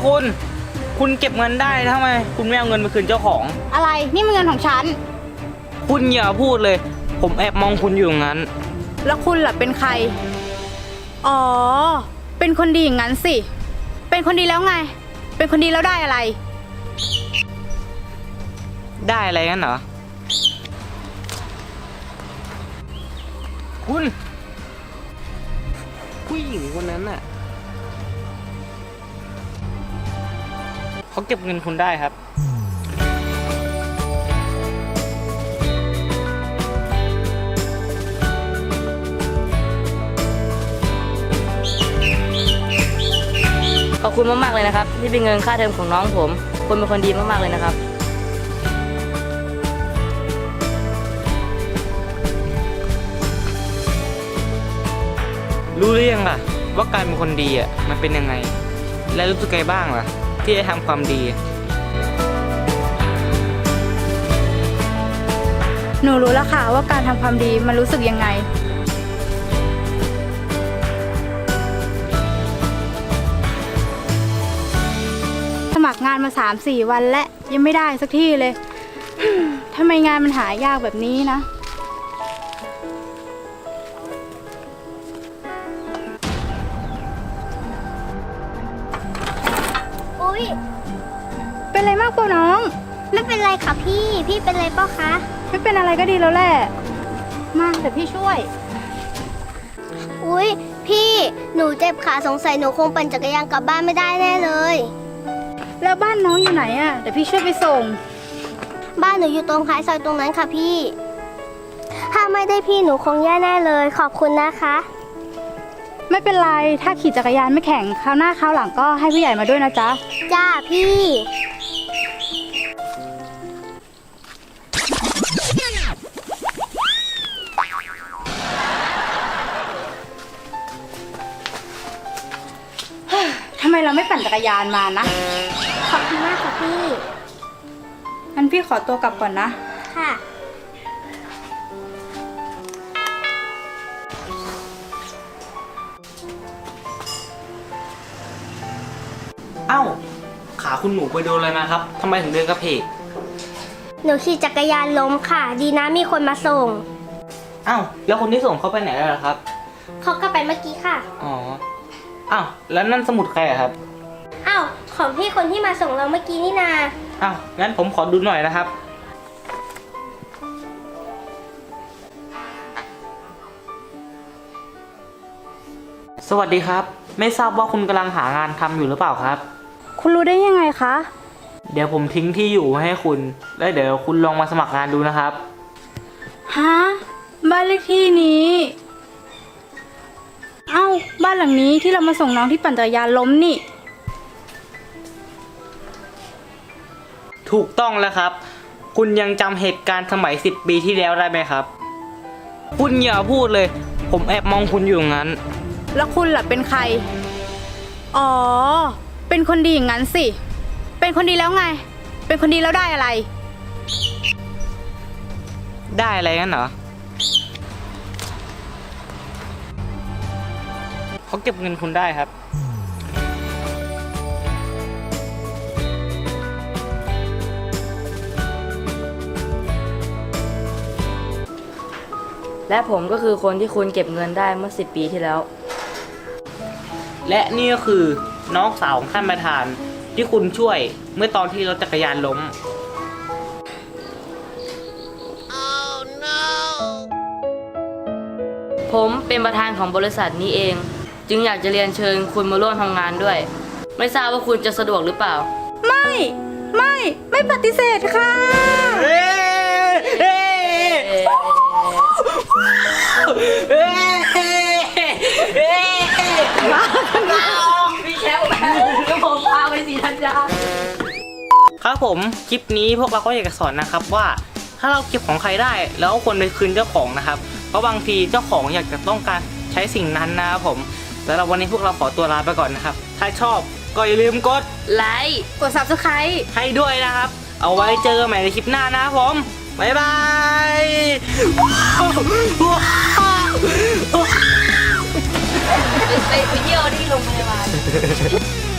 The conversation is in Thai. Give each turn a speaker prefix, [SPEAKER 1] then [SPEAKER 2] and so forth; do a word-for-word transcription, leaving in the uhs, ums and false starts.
[SPEAKER 1] คุณคุณเก็บเงินได้ทำไมคุณไม่เอาเงินมาคืนเจ้าของ
[SPEAKER 2] อะไรนี่มันเงินของฉัน
[SPEAKER 1] คุณอย่าพูดเลยผมแอบมองคุณอยู่งั้น
[SPEAKER 2] แล้วคุณล่ะเป็นใครอ๋อเป็นคนดีอย่างนั้นสิเป็นคนดีแล้วไงเป็นคนดีแล้วได้อะไร
[SPEAKER 1] ได้อะไรกันเหรอคุณผู้หญิงคนนั้นน่ะเขาเก็บเงินคุณได้ครับ
[SPEAKER 3] ขอบคุณมากๆเลยนะครับที่เป็นเงินค่าเทอมของน้องผมคุณเป็นคนดีมากๆเลยนะครับ
[SPEAKER 1] รู้หรือยังล่ะว่าการเป็นคนดีอ่ะมันเป็นยังไงและรู้สึกไงบ้างล่ะที่ได้ทำความดี
[SPEAKER 2] หนูรู้แล้วค่ะว่าการทำความดีมันรู้สึกยังไงสมัครงานมา สามสี่ วันและยังไม่ได้สักที่เลย ทำไมงานมันหายากแบบนี้นะ
[SPEAKER 4] อุ๊ย
[SPEAKER 2] เป็นไรมากเปล่าน้อง
[SPEAKER 4] ไม่เป็นไรค่ะพี่พี่เป็นไรเปล่าคะ
[SPEAKER 2] ไม่เป็นอะไรก็ดีแล้วแหละมาเดี๋ยวพี่ช่วย
[SPEAKER 4] อุ๊ยพี่หนูเจ็บขาสงสัยหนูคงปั่นจักรยานกลับบ้านไม่ได้แน่เลย
[SPEAKER 2] แล้วบ้านน้องอยู่ไหนอ่ะเดี๋ยวพี่ช่วยไปส่ง
[SPEAKER 4] บ้านหนูอยู่ตรงท้ายซอยตรงนั้นค่ะพี่ถ้าไม่ได้พี่หนูคงแย่แน่เลยขอบคุณนะคะ
[SPEAKER 2] ไม่เป็นไรถ้าขี่จักรยานไม่แข็งคราวหน้าคราวหลังก็ให้ผู้ใหญ่มาด้วยนะจ๊ะ
[SPEAKER 4] จ้าพี่
[SPEAKER 2] ทำไมเราไม่ปั่นจักรยานมานะ
[SPEAKER 4] ขอบคุณมากค่ะพี่
[SPEAKER 2] งั้นพี่ขอตัวกลับก่อนนะ
[SPEAKER 4] ค่ะ
[SPEAKER 1] เอ้าขาคุณหนูไปโดนอะไรมาครับทำไมถึงเดินกระเพก
[SPEAKER 4] หนูขี่จักรยานล้มค่ะดีนะมีคนมาส่ง
[SPEAKER 1] เอ้าแล้วคนที่ส่งเขาไปไหนแล้วล่ะครับ
[SPEAKER 4] เขาก็ไปเมื่อกี้ค่ะ
[SPEAKER 1] อ๋ออ้าวแล้วนั่นสมุดใครอะครับ
[SPEAKER 4] อ้าวของพี่คนที่มาส่งเราเมื่อกี้นี่นา
[SPEAKER 1] อ้าวงั้นผมขอดูหน่อยนะครับสวัสดีครับไม่ทราบว่าคุณกำลังหางานทำอยู่หรือเปล่าครับ
[SPEAKER 2] คุณรู้ได้ยังไงคะ
[SPEAKER 1] เดี๋ยวผมทิ้งที่อยู่ให้คุณแล้วเดี๋ยวคุณลองมาสมัครงานดูนะครับ
[SPEAKER 2] ฮะบ้านเลขที่นี้เอ้าบ้านหลังนี้ที่เรามาส่งน้องที่ปั่นจักรยานล้มนี่
[SPEAKER 1] ถูกต้องแล้วครับคุณยังจำเหตุการณ์สมัยสิบปีที่แล้วได้ไหมครับคุณอย่าพูดเลยผมแอบมองคุณอยู่งั้น
[SPEAKER 2] แล้วคุณล่ะเป็นใครอ๋อเป็นคนดีอย่างนั้นสิเป็นคนดีแล้วไงเป็นคนดีแล้วได้อะไร
[SPEAKER 1] ได้อะไรกันเหรอเขาเก็บเงินคุณได้ครับ
[SPEAKER 3] และผมก็คือคนที่คุณเก็บเงินได้เมื่อสิบปีที่แล้ว
[SPEAKER 1] และนี่ก็คือน้องสาวของท่านประธานที่คุณช่วยเมื่อตอนที่รถจักรยานล้ม
[SPEAKER 3] oh, no. ผมเป็นประธานของบริษัทนี้เองจึงอยากจะเรียนเชิญคุณมาร่วมทำงานด้วยไม่ทราบว่าคุณจะสะดวกหรือเปล่า
[SPEAKER 2] ไม่ไม่ไม่ปฏิเสธค่ะ
[SPEAKER 1] เฮ้เฮ้เฮ้เฮ้
[SPEAKER 3] มาพี่แชมป์แล้วผมพาไปสีธัญญา
[SPEAKER 1] ครับผมคลิปนี้พวกเราก็อยากจะสอนนะครับว่าถ้าเราเก็บของใครได้แล้วควรไปคืนเจ้าของนะครับเพราะบางทีเจ้าของอยากจะต้องการใช้สิ่งนั้นนะครับผมสำหรับวันนี้พวกเราขอตัวลาไปก่อนนะครับถ้าชอบก็อย่าลืมกด
[SPEAKER 3] ไลค์
[SPEAKER 2] กด ซับสไครบ์
[SPEAKER 1] ให้ด้วยนะครับเอาไว้เจอกันใหม่ในคลิปหน้านะครับผมบ๊ายบาย
[SPEAKER 3] ไปเที่ยวที่โรงพยาบาล